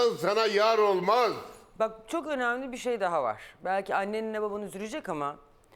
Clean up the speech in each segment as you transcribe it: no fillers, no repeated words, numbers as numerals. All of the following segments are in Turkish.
insan sana yar olmaz. Bak çok önemli bir şey daha var. Belki annenle baban üzülecek ama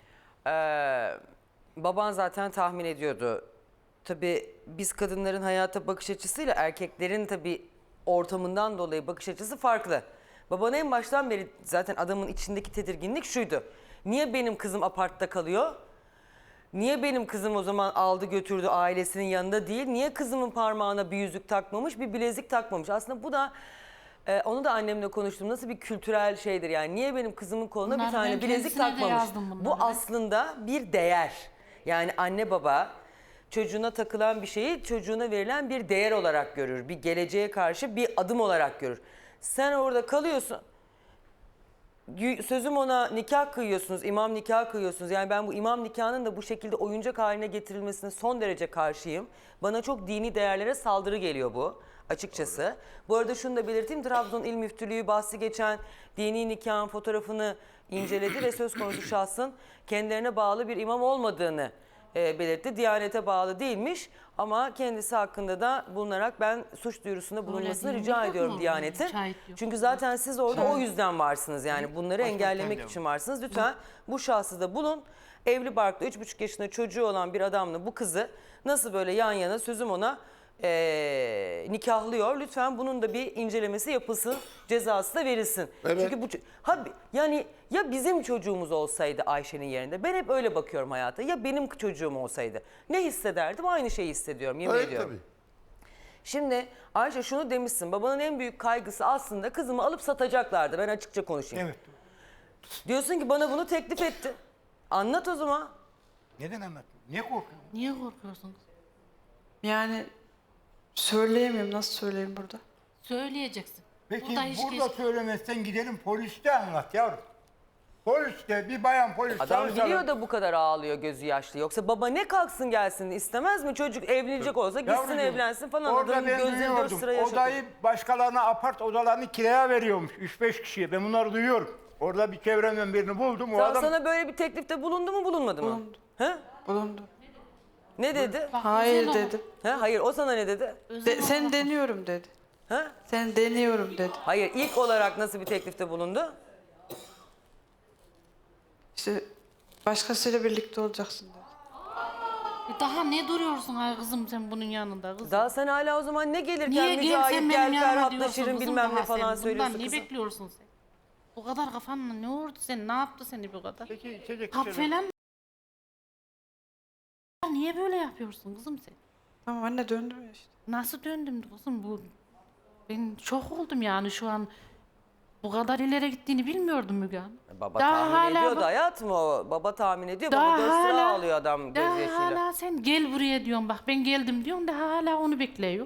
baban zaten tahmin ediyordu. Tabii biz kadınların hayata bakış açısıyla erkeklerin tabii ortamından dolayı bakış açısı farklı. Baban en baştan beri zaten adamın içindeki tedirginlik şuydu. Niye benim kızım apartta kalıyor? Niye benim kızım o zaman aldı götürdü ailesinin yanında değil? Niye kızımın parmağına bir yüzük takmamış, bir bilezik takmamış? Aslında bu da onu da annemle konuştum. Nasıl bir kültürel şeydir yani? Niye benim kızımın koluna Bunları bir tane ben bilezik kendisine de takmamış? yazdım bunları Bu ben. aslında bir değer. Yani anne baba çocuğuna takılan bir şeyi çocuğuna verilen bir değer olarak görür. Bir geleceğe karşı bir adım olarak görür. Sen orada kalıyorsun. Sözüm ona nikah kıyıyorsunuz, imam nikahı kıyıyorsunuz. Yani ben bu imam nikahının da bu şekilde oyuncak haline getirilmesine son derece karşıyım. Bana çok dini değerlere saldırı geliyor bu açıkçası. Bu arada şunu da belirteyim, Trabzon İl Müftülüğü bahsi geçen dini nikahın fotoğrafını inceledi ve söz konusu şahsın kendilerine bağlı bir imam olmadığını belirtti. Diyanete bağlı değilmiş ama kendisi hakkında da bulunarak ben suç duyurusunda bulunmasını değil mi? rica Yok ediyorum mu? Diyanet'in. Şahit yok. Çünkü zaten siz orada o yüzden varsınız yani bunları engellemek için varsınız. Lütfen bu şahsı da bulun. Evli barklı 3,5 yaşında çocuğu olan bir adamla bu kızı nasıl böyle yan yana sözüm ona nikahlıyor. Lütfen bunun da bir incelemesi yapılsın, cezası da verilsin. Evet. Çünkü bu yani ya bizim çocuğumuz olsaydı Ayşe'nin yerinde, ben hep öyle bakıyorum hayata. Ya benim çocuğum olsaydı ne hissederdim? Aynı şeyi hissediyorum, yemin Evet ediyorum. tabii. Şimdi Ayşe şunu demişsin, babanın en büyük kaygısı aslında kızımı alıp satacaklardı. Ben açıkça konuşayım. Evet. Diyorsun ki bana bunu teklif etti. Anlat o zaman. Neden anlatmıyorsun? Niye korkuyorsun? Niye korkuyorsunuz? Yani söyleyemiyorum. Nasıl söyleyeyim burada? Söyleyeceksin. Peki Burada hiç burada söylemezsen gidelim poliste anlat yavrum. Poliste bir bayan polis Adam çalışalım. biliyor da bu kadar ağlıyor, gözü yaşlı. Yoksa baba ne kalksın gelsin istemez mi? Çocuk evlenecek olsa gitsin Yavrucuğum, evlensin falan. orada Adamın ben gözleri 4 duyuyordum. sıra yaşatıyor. Odayı başkalarına apart odalarını kiraya veriyormuş 3-5 kişiye. Ben bunları duyuyorum. Orada bir çevremden birini buldum. O adam Sana böyle bir teklifte bulundu mu bulunmadı mı? Bulundu. He? Bulundu. Ne dedi? Bak, Hayır özel dedi. He? Hayır o sana ne dedi? Sen deniyorum dedi. He? Sen deniyorum dedi. Hayır ilk olarak nasıl bir teklifte bulundu? İşte başkasıyla birlikte olacaksın dedi. Daha ne duruyorsun ay kızım sen bunun yanında kızım? Daha sen hala o zaman ne gelirken Niye gel sen Mücahit benim gel yanıma Ferhat'la diyorsun Şirin kızım bilmem ne daha falan sen? söylüyorsun Bundan ne kızım. bekliyorsun sen? Bu kadar kafanla ne oldu sen? Ne yaptı seni bu kadar? Peki içecek Kap içelim. falan niye böyle yapıyorsun kızım sen? Tamam anne döndüm ya işte. Nasıl döndüm kızım bu? Ben şok oldum yani şu an. Bu kadar ileri gittiğini bilmiyordum Müge Hanım. Baba Daha tahmin hala ediyordu bak- hayatım o. Baba tahmin ediyor. Daha Baba 4 sıra hala- ağlıyor adam Daha gözyaşıyla. hala sen gel buraya diyorsun bak ben geldim diyorsun da hala onu bekliyor.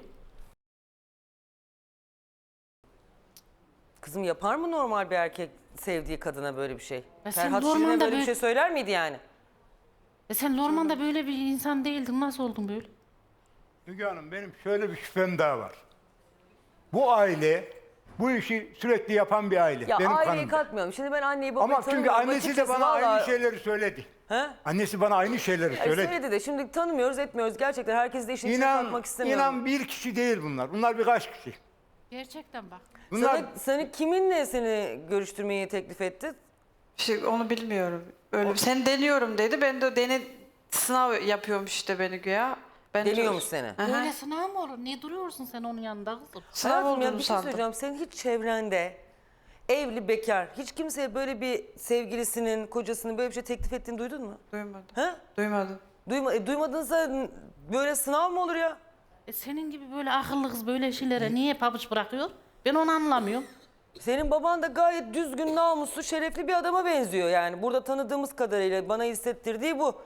Kızım yapar mı normal bir erkek sevdiği kadına böyle bir şey? Ya sen Ferhat Şirin'e Lorman'da böyle bir böyle- şey söyler miydi yani? Sen Lorman'da böyle bir insan değildin nasıl oldun böyle? Müge Hanım benim şöyle bir şüphem daha var. Bu aile bu işi sürekli yapan bir aile. Ya benim aileyi kanımda. katmıyorum. Şimdi ben anneyi babayı Ama çünkü tanımıyorum. annesi de Açıkçası bana vallahi- aynı şeyleri söyledi. He? Annesi bana aynı şeyleri Ya söyledi. söyledi de şimdi tanımıyoruz etmiyoruz. Gerçekten herkes de işin içine İnan, katmak istemiyorum. inan bir kişi değil bunlar. Bunlar birkaç kişi. Gerçekten bak. Bunlar Seni kiminle seni görüştürmeyi teklif etti? İşte onu bilmiyorum. Öyle sen deniyorum dedi. Ben de sınav yapıyormuş işte beni güya. Ben de- Deniyormuş seni. Aha. Böyle sınav mı olur? Niye duruyorsun sen onun yanında kızım? Sınav Hayatım ya olduğunu bir şey sandım. söyleyeceğim. Senin hiç çevrende evli bekar hiç kimseye böyle bir sevgilisinin, kocasının böyle bir şey teklif ettiğini duydun mu? Duymadım. He? Duymadım. Duymadınsa böyle sınav mı olur ya? Senin gibi böyle akıllı kız böyle şeylere niye pabuç bırakıyor? Ben onu anlamıyorum. Senin baban da gayet düzgün, namuslu, şerefli bir adama benziyor yani. Burada tanıdığımız kadarıyla bana hissettirdiği bu.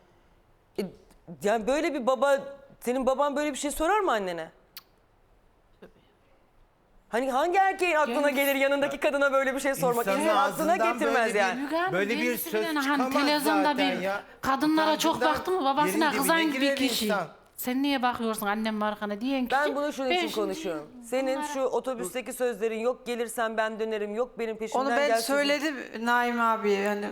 Yani böyle bir baba, senin baban böyle bir şey sorar mı annene? Hani hangi erkeğin aklına gelir yanındaki kadına böyle bir şey sormak? İnsanın İnsan aklına ağzından getirmez böyle bir- yani. Müge Hanım Böyle bir kendisi söz bilen, çıkamaz televizyonda zaten bir ya. kadınlara çok Utancından baktı mı babasına yerin kızan dibine gibi girer kişi. insan. Sen niye bakıyorsun annem markana diyen kişi. Ben bunu şunun için şimdi konuşuyorum. Senin bunlara- şu otobüsteki sözlerin yok gelirsen ben dönerim, yok benim peşimden Onu ben gelsin. söyledim Naim abiye hani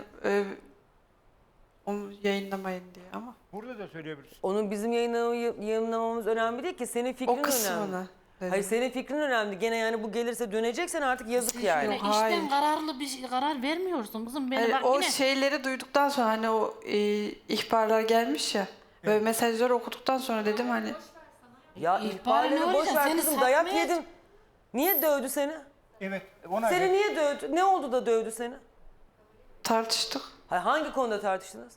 onu yayınlamayın diye ama burada da söyleyebilirsin. Onun bizim yayınlamamız önemli değil ki. Senin fikrin o kısmını. önemli. dedim. Hayır senin fikrin önemli. Gene yani bu gelirse döneceksen artık yazık yani. Şöyle Hayır. işten kararlı bir karar vermiyorsun kızım. Beni Hani bak o yine şeyleri duyduktan sonra hani o ihbarlar gelmiş ya. Böyle mesajları okuduktan sonra dedim hani Ya İhbarı ihbarları ne boş olacak? ver Seni kızım dayak satmaya- yedin. Niye dövdü seni? Evet. Ona Seni niye dövdü? Ne oldu da dövdü seni? tartıştık. Hayır, hangi konuda tartıştınız?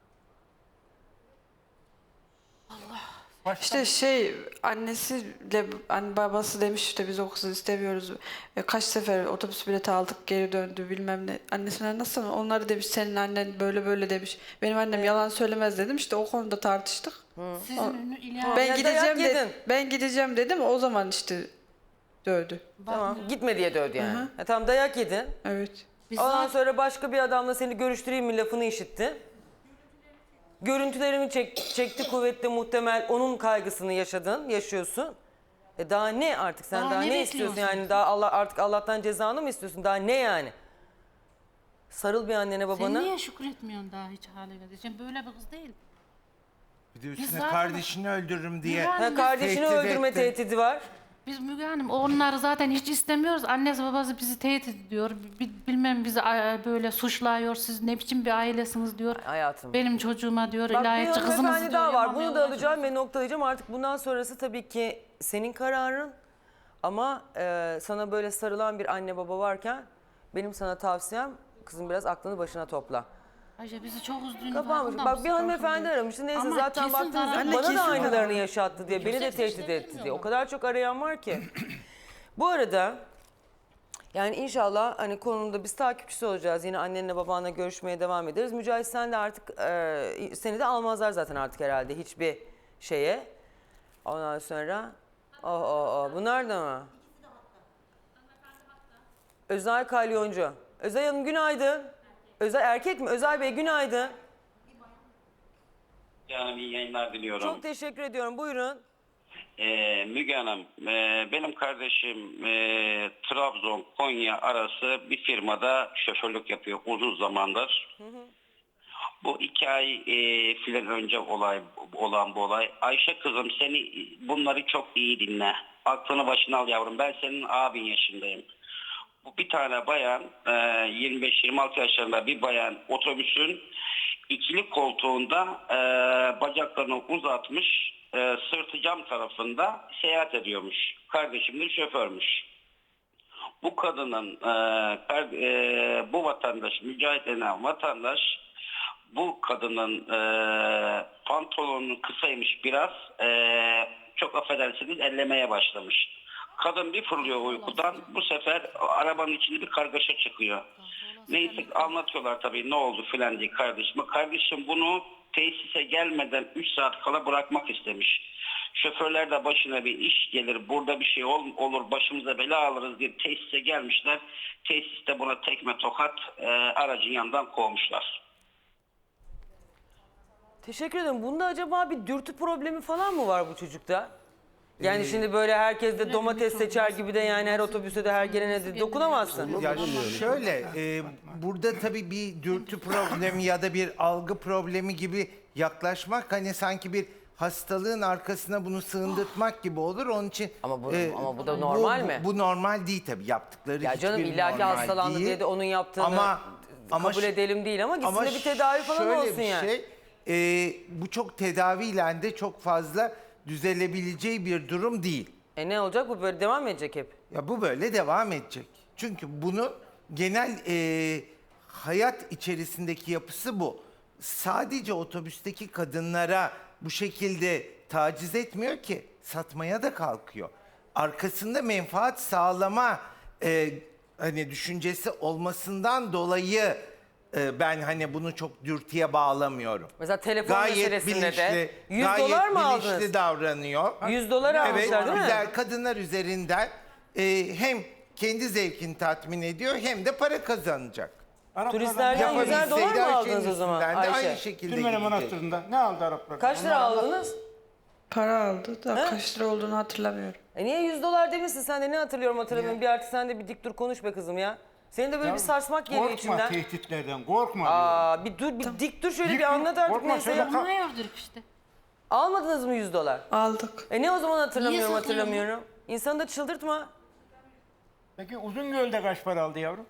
İşte annesiyle babası demiş işte biz o kızı istemiyoruz. Kaç sefer otobüs bileti aldık geri döndü bilmem ne. Annesine nasıl onları demiş senin annen böyle böyle demiş. Benim annem yalan söylemez dedim işte o konuda tartıştık. sizin ileride Ben ya gideceğim dayak dedim. yedin. Ben gideceğim dedim o zaman işte dövdü. Tamam gitme diye dövdü yani. Tamam dayak yedin. Evet. biz Ondan zaten sonra başka bir adamla seni görüştüreyim mi lafını işitti. Görüntülerini çekti kuvvetli muhtemel onun kaygısını yaşıyorsun. Daha ne artık sen Daha daha ne ne istiyorsun bekliyorsun? yani daha artık Allah'tan cezanı mı istiyorsun daha ne yani? Sarıl bir annene sen babana. niye şükretmiyorsun daha hiç haline? Sen böyle bir kız değil. Bir de üstüne zaten- kardeşini öldürürüm diye. Müge Hanım, Kardeşini Tehdit öldürme etti. tehdidi var. Biz Müge Hanım onları zaten hiç istemiyoruz. Annesi babası bizi tehdit ediyor. Bilmem bizi böyle suçluyor. Siz ne biçim bir ailesiniz diyor. Hayatım. Benim çocuğuma diyor. Bak bir İlahiyatçı kızınız hanımefendi diyor. daha var. yapamıyor Bunu da olacak. alacağım ve noktalayacağım. Artık bundan sonrası tabii ki senin kararın. Ama sana böyle sarılan bir anne baba varken benim sana tavsiyem kızım biraz aklını başına topla. Ayşe bizi çok üzdüğünü Kapanmış. farkında Bak mısın? bir hanımefendi aramıştı. Neyse Ama zaten kesin baktığınızda zarar- bana da kesin aynılarını yaşattı diye. Beni de Yüksek tehdit sesle etti diye. bilmiyorum. O kadar çok arayan var ki. Bu arada yani inşallah hani konumda biz takipçisi olacağız. Yine annenle babanla görüşmeye devam ederiz. Mücahit sen de artık seni de almazlar zaten artık herhalde hiçbir şeye. Ondan sonra bunlar da mı? Özay Kalyoncu. Özay Hanım günaydın. Özay erkek mi? Özay Bey günaydın. Yani iyi yayınlar diliyorum. Çok teşekkür ediyorum. Buyurun. Müge Hanım, benim kardeşim Trabzon, Konya arası bir firmada şoförlük yapıyor uzun zamandır. Bu 2 ay filan önce olan bu olay. Ayşe kızım bunları çok iyi dinle. Aklını başına al yavrum. Ben senin abin yaşındayım. Bu bir tane bayan 25-26 yaşlarında bir bayan otobüsün ikili koltuğunda bacaklarını uzatmış sırtı cam tarafında seyahat ediyormuş. Kardeşim de şoförmüş. Bu kadının bu vatandaş Mücahit denen vatandaş bu kadının pantolonunu kısaymış biraz çok affedersiniz ellemeye başlamış. Kadın bir fırlıyor uykudan bu sefer arabanın içinde bir kargaşa çıkıyor. Neyse anlatıyorlar tabii ne oldu filan diye kardeşime. Kardeşim bunu tesise gelmeden 3 saat kala bırakmak istemiş. Şoförler de başına bir iş gelir, burada bir şey olur, başımıza bela alırız diye tesise gelmişler. Tesiste buna tekme tokat aracın yanından kovmuşlar. Teşekkür ederim. Bunda acaba bir dürtü problemi falan mı var bu çocukta? Yani şimdi böyle herkes de domates seçer gibi de yani her otobüse de her gelene de dokunamazsın. Ya şöyle, burada tabii bir dürtü problemi ya da bir algı problemi gibi yaklaşmak hani sanki bir hastalığın arkasına bunu sığındırtmak gibi olur. Onun için Ama bu da normal mi? Bu normal değil tabii yaptıkları Ya canım hiçbir illaki normal hastalandı değil. diye de onun yaptığını Ama kabul edelim değil ama gitsin de bir tedavi falan şöyle olsun bir yani. şey, bu çok tedaviyle de çok fazla düzelebileceği bir durum değil. Ne olacak bu böyle devam mı edecek hep? Ya bu böyle devam edecek. Çünkü bunu genel hayat içerisindeki yapısı bu. Sadece otobüsteki kadınlara bu şekilde taciz etmiyor ki, satmaya da kalkıyor. Arkasında menfaat sağlama hani düşüncesi olmasından dolayı ben hani bunu çok dürtüye bağlamıyorum. Mesela telefon Gayet meselesinde bilinçli, de 100 gayet dolar mı bilinçli aldınız? davranıyor. 100 dolar almışlar değil mi? güzel kadınlar üzerinden hem kendi zevkini tatmin ediyor hem de para kazanacak. Turistlerden 100'er dolar Yapabilseydi mı Ayşe'nin aldınız o zaman üstünden de Ayşe? aynı şekilde Türmene gidecek. Manastırı'nda ne aldı Araplar? Kaç lira aldınız? Para aldı da He? kaç lira olduğunu hatırlamıyorum. Niye 100 dolar demişsin sen de ne hatırlıyorum hatırlamıyorum. Bir artık sen de bir dik dur konuş be kızım ya. Senin de böyle bir sarsmak geliyor Korkma içinden. tehditlerden, korkma diyorum. Aa bir dur bir dik dur şöyle Dik bir dur, anlat artık korkma, neyse. söyle. Ya. Bunu yaptırık işte. Almadınız mı 100 dolar? Aldık. Ne o zaman hatırlamıyorum Niye saklıyorsun? hatırlamıyorum. İnsanı da çıldırtma. Peki Uzungöl'de kaç para aldı yavrum?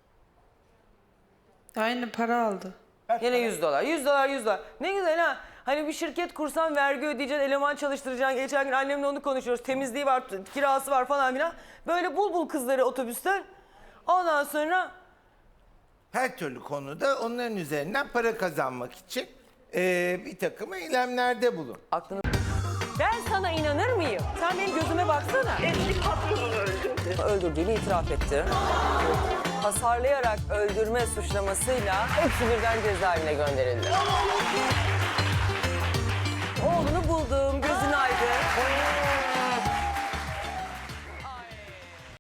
Aynı para aldı. Yine 100 dolar. 100 dolar, 100 dolar. Ne güzel ha. Hani bir şirket kursan vergi ödeyeceksin, eleman çalıştıracaksın. Geçen gün annemle onu konuşuyoruz. Temizliği var, kirası var falan filan. Böyle bul kızları otobüsten. Ondan sonra Her türlü konuda onların üzerinden para kazanmak için bir takım eylemlerde bulun. aklını... Ben sana inanır mıyım? Sen benim gözüme baksana. Eski patronunu öldürdü. Öldürdüğünü itiraf etti. Hasarlayarak öldürme suçlamasıyla hepsi birden cezaevine gönderildi. Oğlunu buldum, gözün aydın.